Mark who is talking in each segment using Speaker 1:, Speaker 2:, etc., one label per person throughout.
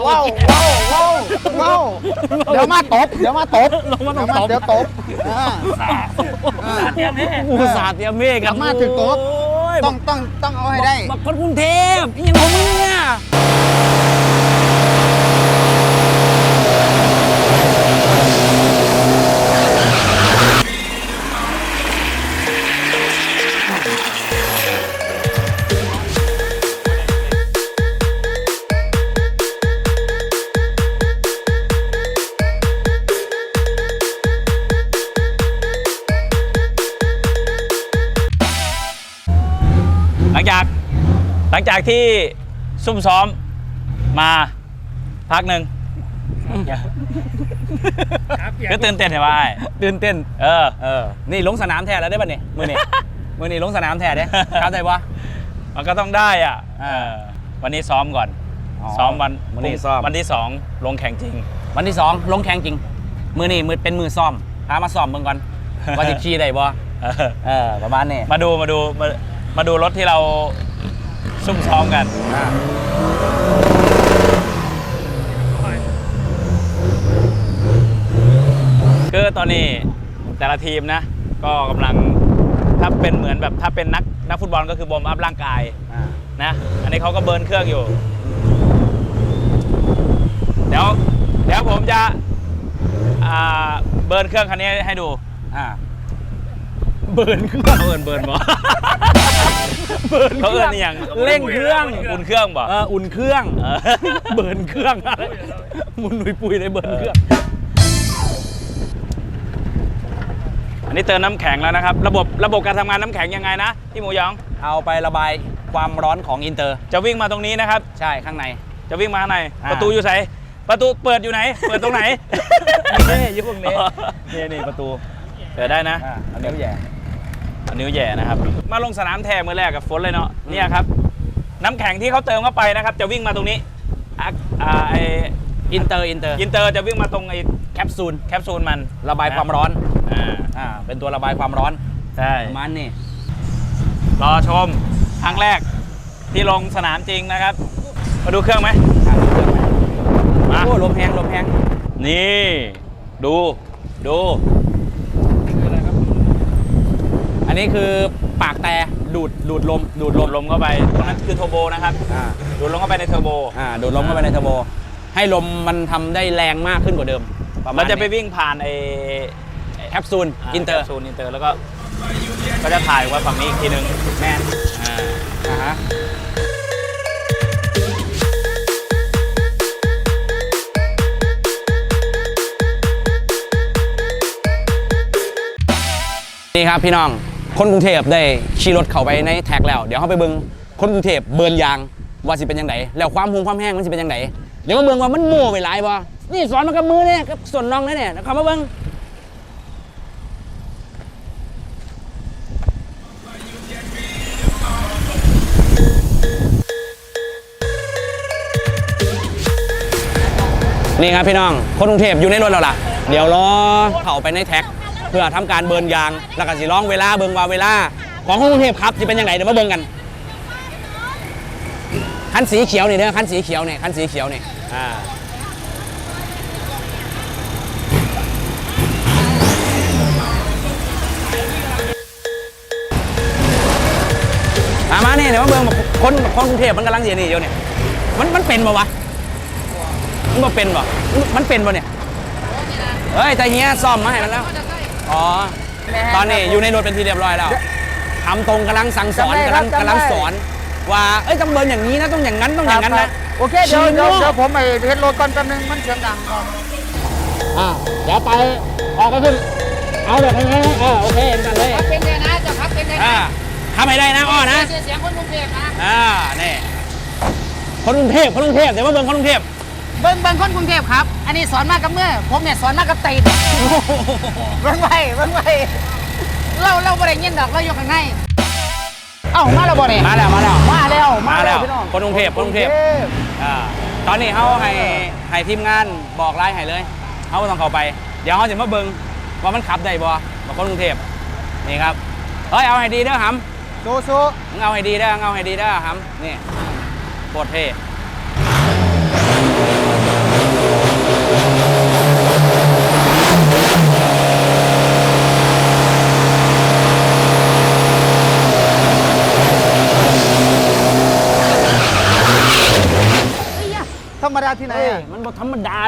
Speaker 1: ว้าวเดี๋ยวมาตบเดี๋ยวตบ
Speaker 2: เตรียมเฮ่อุตส่าห์เตรียมเฮ่กัน
Speaker 1: มาถึงตบต้องเอาให้ได้
Speaker 2: คนกรุงเทพยังของมึงเนี่ยหลังจากที่ซุ่มซ้อมมาพักหนึ่งก็ตื่นเต้นใช่ไหมตื่นเต้นนี่ลงสนามแทนแล้วได้ป่ะเนี่ยมือนี่ลงสนามแทนเนี่ยครับได้ปะมันก็ต้องได้อ่ะวันนี้ซ้อมก่อนซ้อมวันนี้ซ้อมวันที่2ลงแข่งจริงวันที่2ลงแข่งจริงมือนี่เป็นมือซ้อมพามาซ้อมเบิ่งก่อนว่าจะขี่ได้ปะประมาณนี้มาดูรถที่เราซุ่มซ้อมกันคือตอนนี้แต่ละทีมนะก็กำลังถ้าเป็นเหมือนแบบถ้าเป็นนักฟุตบอลก็คือวอร์มอัพร่างกายนะอันนี้เขาก็เบิร์นเครื่องอยู่เดี๋ยวผมจะเบิร์นเครื่องคันนี้ให้ดูเบิร์นเครื่องเบิร์นบ่เขาเอิ้นอย่างเร่งเครื่องอุ่นเครื่องบ่อุ่นเครื่องเบิร์นเครื่องอะไรมุนปุยเลยเบิร์นเครื่องอันนี้เติมน้ำแข็งแล้วนะครับระบบการทำงานน้ำแข็งยังไงนะพี่หมูยองเอาไประบายความร้อนของอินเตอร์จะวิ่งมาตรงนี้นะครับใช่ข้างในจะวิ่งมาข้างในประตูอยู่ไหนประตูเปิดอยู่ไหนเปิดตรงไหนนี่อยู่พวกนี้นี่ประตูเปิดได้นะเอานิ้วแย่นะครับมาลงสนามแทนมือแรกกับฝนเลยเนาะเนี่ยครับน้ำแข็งที่เขาเติมเข้าไปนะครับจะวิ่งมาตรงนี้อินเตอร์จะวิ่งมาตรงไอ้แคปซูลมันระบายความร้อนเป็นตัวระบายความร้อนใช่มันนี่รอชมครั้งแรกที่ลงสนามจริงนะครับมาดูเครื่องไหมมาโอ้ลมแห้งนี่ดูอันนี้คือปากแต่ดูดลมเข้าไปตรงนั้นคือเทอร์โบนะครับดูดลมเข้าไปในเทอร์โบดูดลมเข้าไปในเทอร์โบให้ลมมันทำได้แรงมากขึ้นกว่าเดิมมันจะไปวิ่งผ่านไอ้แคปซูลอินเตอร์แล้วก็จะถ่ายว่าฝั่งนี้อีกทีนึงแม่นนี่ครับพี่น้องคนกรุงเทพได้ขี่รถเข้าไปในแท็กแล้วเดี๋ยวเขาไปเบิ่งคนกรุงเทพเบิร์นยางว่าสิเป็นยังไงแล้วความแห้งมันสิเป็นยังไงเดี๋ยวมาเบิ่งว่ามันโม่ไปหลายบ่นี่สอนมากับมือเนี่ยกับส่วนน้องเนี่ยแล้วเข้ามาเบิ่งนี่ครับพี่น้องคนกรุงเทพอยู่ในรถแล้วล่ะเดี๋ยวรอเข้าไปในแท็กเพื่อทำการเบิร์นยางแล้วก็สิร้องเวลาเบิ่งว่าเวลาของกรุงเทพครับจะเป็นยังไงเดี๋ยวมาเบิ่งกันคันสีเขียวนี่เด้อคันสีเขียวนี่มาเนี่ยเดี๋ยวมาเบิ่งคนกรุงเทพมันกำลังเสียนี่เดี๋ยวเนี่ยมันเป็นป่าวะมันเป็นป่ะมันเป็นป่ะเนี่ยเฮ้ยแต่เฮียซ่อมมาให้มันแล้วอ๋อตอนนี้อยู่ในรถเป็นที่เรียบร้อยแล้วทำตรงกำลังสั่งสอนกำลังสอนว่าต้องเบิร์นอย่างนี้นะต้องอย่างนั้นต้องอย่างนั้นนะ
Speaker 1: โอเคเดี๋ยวผมไปเทสรถก่อนแป๊บนึงมันเสียงดังครับเดี๋ยวไปออกก็ขึ้นเอาแบบนี้โอเคเห็นกันเลย
Speaker 3: เป็นไงนะจะพับเป็นไงนะ
Speaker 2: ทำให้ได้นะนะ
Speaker 3: เสียงคนกรุงเทพนะ
Speaker 2: นี่คนกรุงเทพเดี๋ยวมาเบิร์นคนกรุงเทพ
Speaker 3: เบิ่งคนกรุงเทพครับอันนี้สอนมากกับเมื่อผมเนี่ยสอนมากกับตีนเบิ่งไว้เราบ่ได้ยินดอกเราอยู่ข้างในมาแล้วบ่เนี่ย
Speaker 2: มาแล้ว
Speaker 3: พี่น้อง
Speaker 2: คนกรุงเทพตอนนี้เขาให้ทีมงานบอกไลน์ให้เลยเขาต้องเข้าไปเดี๋ยวเขาจะมาเบิ่งว่ามันขับได้บ่คนกรุงเทพนี่ครับเอาให้ดีเด้อหำ
Speaker 1: สู้
Speaker 2: เอาให้ดีเด้อหำนี่โคตรเท่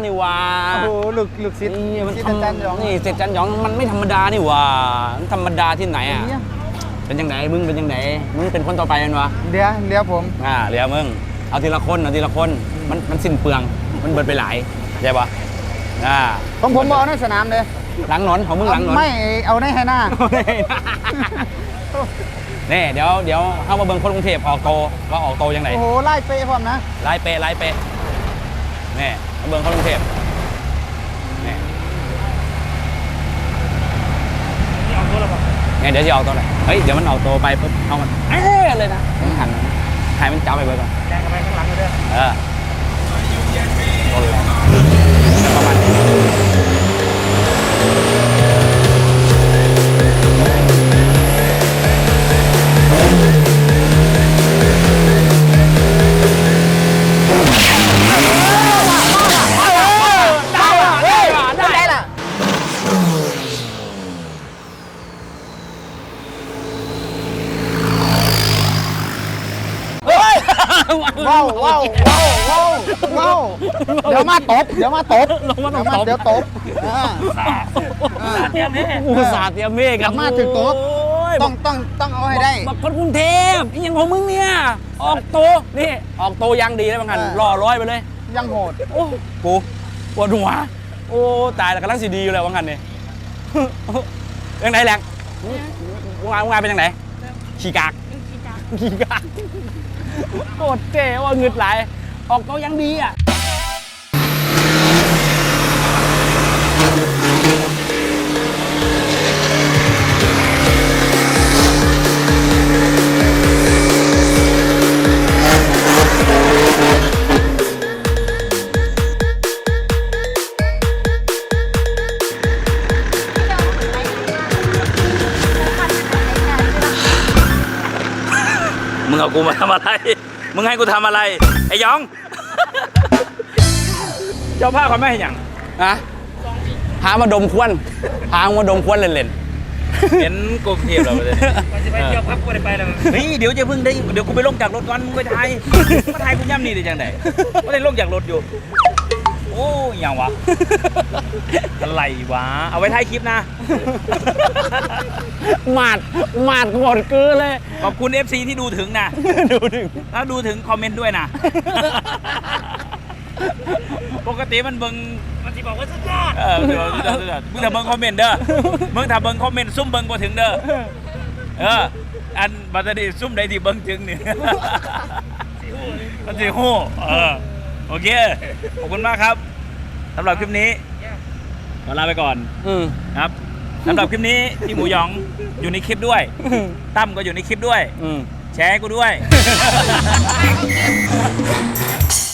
Speaker 2: นี่หว่า
Speaker 3: โอ้โหลูกศิษย์
Speaker 2: นี่มัน
Speaker 3: ศิษย์
Speaker 2: ท
Speaker 3: อาจารย์หยอง
Speaker 2: ำนี่เสร็จจันหยองมันไม่ธรรมดานี่หว่ามันธรรมดาที่ไหนอ่ะ
Speaker 3: เนี่ย
Speaker 2: เป็นยังไงมึงเป็นยังไงมึงเป็นคนต่อไปกันวะ
Speaker 3: เดี๋ยวผม
Speaker 2: เหลือมึงเอาทีละคนมันสิ้นเปลืองมันเบิดไปหลายใช่ปะ
Speaker 3: ผมเอาในสนามเลย
Speaker 2: หลังหนอนของมึงหลังหนอน
Speaker 3: ไม่เอาในให้หน้า
Speaker 2: นี่เดี๋ยวเข้ามาเบิ่งคนกรุงเทพออกโตว่าออกโตยังไง
Speaker 3: โอ้โหไล่เป๊ะพร้อมนะ
Speaker 2: ไล่เปนี่มาเบิ่งคนกรุงเทพนี่เดี๋ยวจะออกตัวไหนเฮ้ยเดี๋ยวมันออกตัวไปปุ๊บเอามันเลยนะหันถ่ายมันจับไปเบิ่งก่อน
Speaker 3: แดงกันไปข้างหลังเลย
Speaker 2: ประมาณนี้
Speaker 3: ได้ล่ะว้าวเดี๋ยวมาตบ
Speaker 2: ลงมาต้องตบ
Speaker 3: เดี๋ยวตบ
Speaker 2: เตรียมเมฆอุตส่าห์เตรียมเมฆ
Speaker 3: กลับมาถึงโต๊ะต้องเอาให้ได้
Speaker 2: บักคนกรุงเทพนี่ยังของมึงเนี่ยออกโตนี่ออกโตยังดีแล้วบางคันรอร้อยไปเลย
Speaker 3: ยังโหด
Speaker 2: โอ้กูปวดหัวโอ้ตายแล้วกำลังสีดีอยู่แล้วบางคันนี่ยังไงแหลกงานเป็นยังไงขี้กากโคตรเจ๋ว่าเงืดไหลออกโตยังดีอ่ะมึงเอากูมาทำอะไร มึงให้กูทำอะไร ไอ้ยอง เจ้าผ้าเขาไม่ให้หยังนะพามาดมควันเล่นๆ เห็นกรุงเทพเราเลยไปเที่ยวพักกูได้ไปแล้วเฮ้ยเดี๋ยวจะพึ่งได้เดี๋ยวกูไปลงจากรถก่อนมึงไปถ่ายมาถ่ายกูย่ำนี่ได้จังไดไม่ได้ลงจากรถอยู่ โอ้ยยังวะอะไรวะเอาไว้ถ่ายคลิปนะหมาดหมดกือเลยขอบคุณ FC ที่ดูถึงนะแล้วดูถึงคอมเมนต์ด้วยนะปกติมันเบิ่งมันสิบอกว่าสุดยอดมึงถ้าเบิ่งคอมเมนต์เด้อมึงถ้าเบิ่งคอมเมนต์ซุ่มเบิ่งบ่ถึงเด้ออันบัดนี้ซุ่มใดที่เบิ่งถึงนี่มันสิฮู้โอเคขอบคุณมากครับสำหรับคลิปนี้ขอลาไปก่อนครับสำหรับคลิปนี้พี่หมูหยองอยู่ในคลิปด้วยตั้มก็อยู่ในคลิปด้วยแชร์กูด้วย